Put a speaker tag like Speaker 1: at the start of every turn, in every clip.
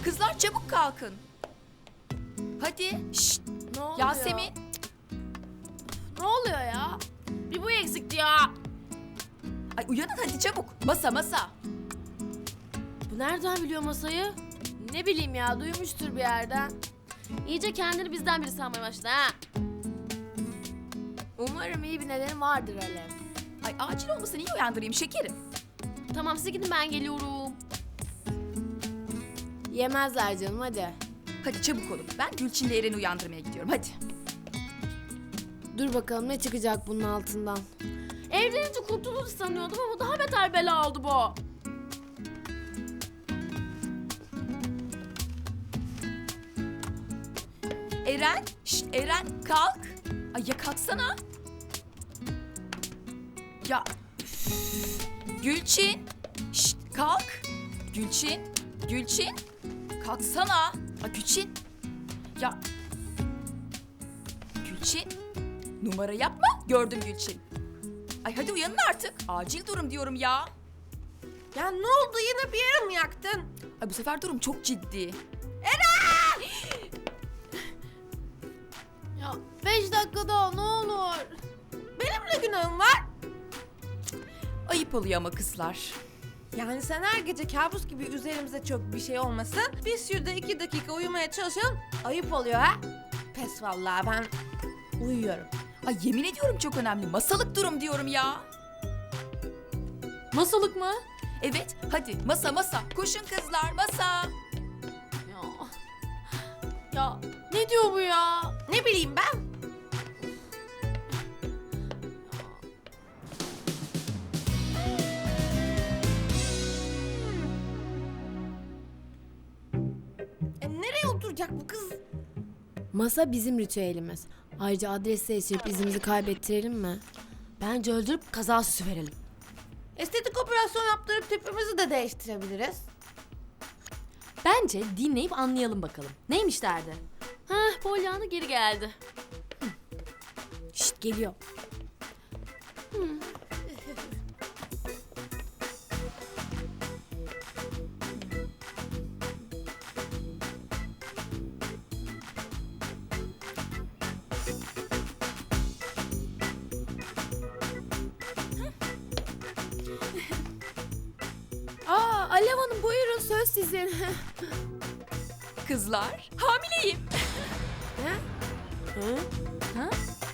Speaker 1: Kızlar çabuk kalkın. Hadi. Şşt.
Speaker 2: Ne oluyor?
Speaker 1: Yasemin.
Speaker 2: Ne oluyor ya? Bir bu eksikti ya.
Speaker 1: Ay uyanın hadi çabuk. Masa.
Speaker 2: Bu nereden biliyor masayı? Ne bileyim ya, duymuştur bir yerden. İyice kendini bizden biri sanmaya başladı ha. Umarım iyi bir nedeni vardır Alev.
Speaker 1: Ay acil olmasın iyi uyandırayım şekerim.
Speaker 2: Tamam siz gidin, ben geliyorum. Yemezler canım, hadi.
Speaker 1: Hadi çabuk olun. Ben Gülçin'le Eren'i uyandırmaya gidiyorum hadi.
Speaker 2: Dur bakalım ne çıkacak bunun altından. Evlenince kurtulur sanıyordum ama daha beter bela oldu bu.
Speaker 1: Eren. Şşt Eren kalk. Ay ya kalksana. Ya. üf. Gülçin. Şşt kalk. Gülçin. Kalksana. Ay Gülçin. Ya. Gülçin. Numara yapma. Gördüm Gülçin. Ay hadi uyanın artık. Acil durum diyorum ya.
Speaker 3: Ya ne oldu, yine bir yere mi yaktın?
Speaker 1: Ay bu sefer durum çok ciddi.
Speaker 2: Ya 5 dakika daha ne olur.
Speaker 3: Benim ne günahım var?
Speaker 1: Ayıp oluyor ama kızlar.
Speaker 3: Yani sen her gece kabus gibi üzerimize çok bir şey olmasın. Biz şurada 2 dakika uyumaya çalışalım. Ayıp oluyor ha? Pes vallahi, ben uyuyorum.
Speaker 1: Ay yemin ediyorum çok önemli. Masalık durum diyorum ya.
Speaker 2: Masalık mı?
Speaker 1: Evet hadi masa. Koşun kızlar masa.
Speaker 2: Ya. Ya ne diyor bu ya?
Speaker 3: Ne bileyim ben? Nereye oturacak bu kız?
Speaker 2: Masa bizim ritüelimiz. Ayrıca adres değiştirip izimizi kaybettirelim mi? Bence öldürüp kaza süsü verelim.
Speaker 3: Estetik operasyon yaptırıp tipimizi de değiştirebiliriz.
Speaker 2: Bence dinleyip anlayalım bakalım. Neymiş derdi? Heh, Pollyanna geri geldi. Şşt geliyor. Aa, Alev Hanım buyurun, söz sizin.
Speaker 1: Kızlar hamileyim.
Speaker 2: Hı?
Speaker 1: Ha?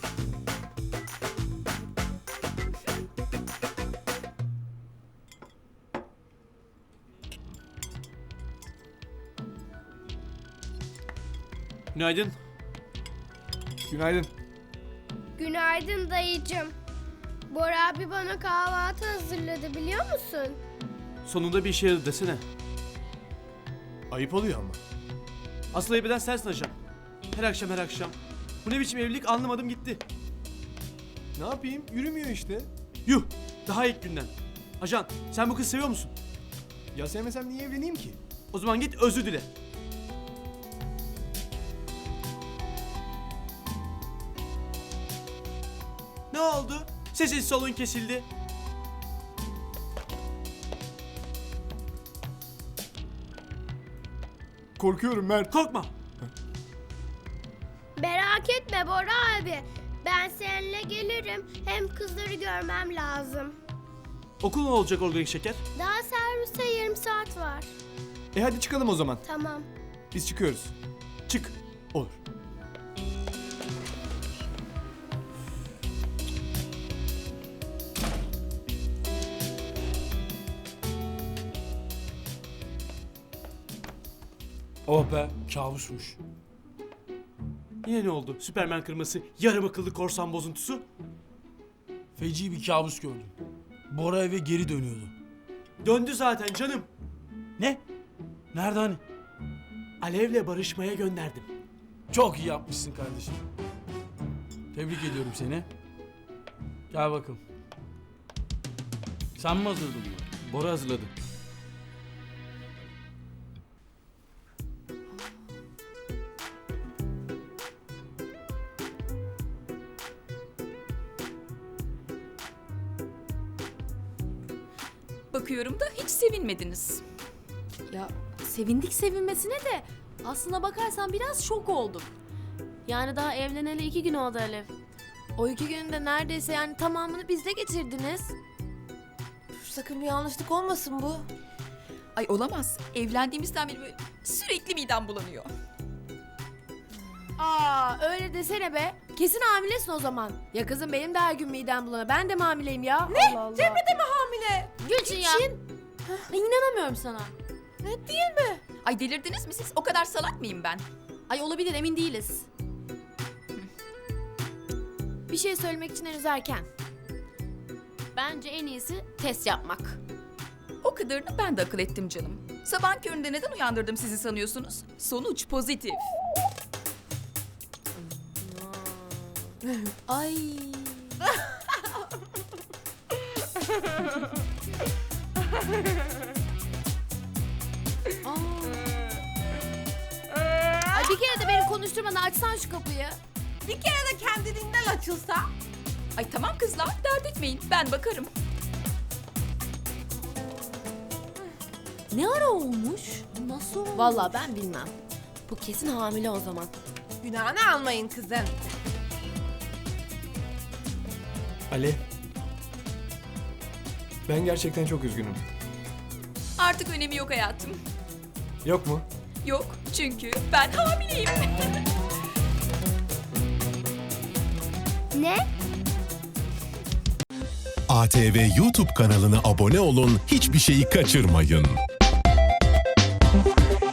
Speaker 4: Günaydın.
Speaker 5: Günaydın.
Speaker 6: Günaydın dayıcım. Bora abi bana kahvaltı hazırladı biliyor musun?
Speaker 4: Sonunda bir işe yaradı desene.
Speaker 5: Ayıp oluyor ama.
Speaker 4: Asıl ayıp eden sensin ajan. Her akşam. Bu ne biçim evlilik anlamadım gitti.
Speaker 5: Ne yapayım? Yürümüyor işte.
Speaker 4: Yuh! Daha ilk günden. Ajan sen bu kızı seviyor musun?
Speaker 5: Ya sevmesem niye evleneyim ki?
Speaker 4: O zaman git özür dile. Ne oldu? Sesin solun kesildi.
Speaker 5: Korkuyorum Mert.
Speaker 4: Korkma.
Speaker 6: Merak etme Bora abi. Ben seninle gelirim. Hem kızları görmem lazım.
Speaker 4: Okul ne olacak organik şeker?
Speaker 6: Daha servise yarım saat var.
Speaker 5: Hadi çıkalım o zaman.
Speaker 6: Tamam.
Speaker 5: Biz çıkıyoruz.
Speaker 4: Çık.
Speaker 5: Olur.
Speaker 7: Oh be, kabusmuş.
Speaker 4: Yine ne oldu? Süpermen kırması, yarım akıllı korsan bozuntusu.
Speaker 7: Feci bir kabus gördüm. Bora eve geri dönüyordu.
Speaker 4: Döndü zaten canım.
Speaker 7: Ne? Nerede hani?
Speaker 4: Alev'le barışmaya gönderdim.
Speaker 7: Çok iyi yapmışsın kardeşim. Tebrik ediyorum seni. Gel bakalım. Sen mi hazırladın bunu?
Speaker 4: Bora hazırladı.
Speaker 1: Bakıyorum da hiç sevinmediniz.
Speaker 2: Ya sevindik sevinmesine de aslına bakarsan biraz şok oldum. Yani daha evleneli 2 gün oldu Alev. O 2 günde neredeyse yani tamamını bizde geçirdiniz.
Speaker 3: Sakın bir yanlışlık olmasın bu.
Speaker 1: Ay olamaz. Evlendiğimizden beri böyle sürekli midem bulanıyor.
Speaker 2: Aa öyle desene be. Kesin hamilesin o zaman. Ya kızım benim de her gün midem bulanıyor. Ben de mi hamileyim ya? Ne? Allah Allah.
Speaker 3: Cemre de mi hamile?
Speaker 2: Gülçin ya. Ay, İnanamıyorum sana.
Speaker 3: Ne değil mi?
Speaker 1: Ay delirdiniz mi siz? O kadar salak mıyım ben?
Speaker 2: Ay olabilir emin değiliz. Bir şey söylemek için henüz erken. Bence en iyisi test yapmak.
Speaker 1: O kadarını ben de akıl ettim canım. Sabahın köründe neden uyandırdım sizi sanıyorsunuz? Sonuç pozitif.
Speaker 2: Ay. Ay bir kere de beni konuşturmadan açsan şu kapıyı.
Speaker 3: Bir kere de kendiliğinden açılsa.
Speaker 1: Ay tamam kızlar, dert etmeyin. Ben bakarım.
Speaker 2: Ne ara olmuş? Nasıl olmuş? Vallahi ben bilmem. Bu kesin hamile o zaman.
Speaker 3: Günahını almayın kızın.
Speaker 5: Ali. Ben gerçekten çok üzgünüm.
Speaker 1: Artık önemi yok hayatım.
Speaker 5: Yok mu?
Speaker 1: Yok çünkü ben hamileyim.
Speaker 6: Ne?
Speaker 8: ATV YouTube kanalına abone olun, hiçbir şeyi kaçırmayın.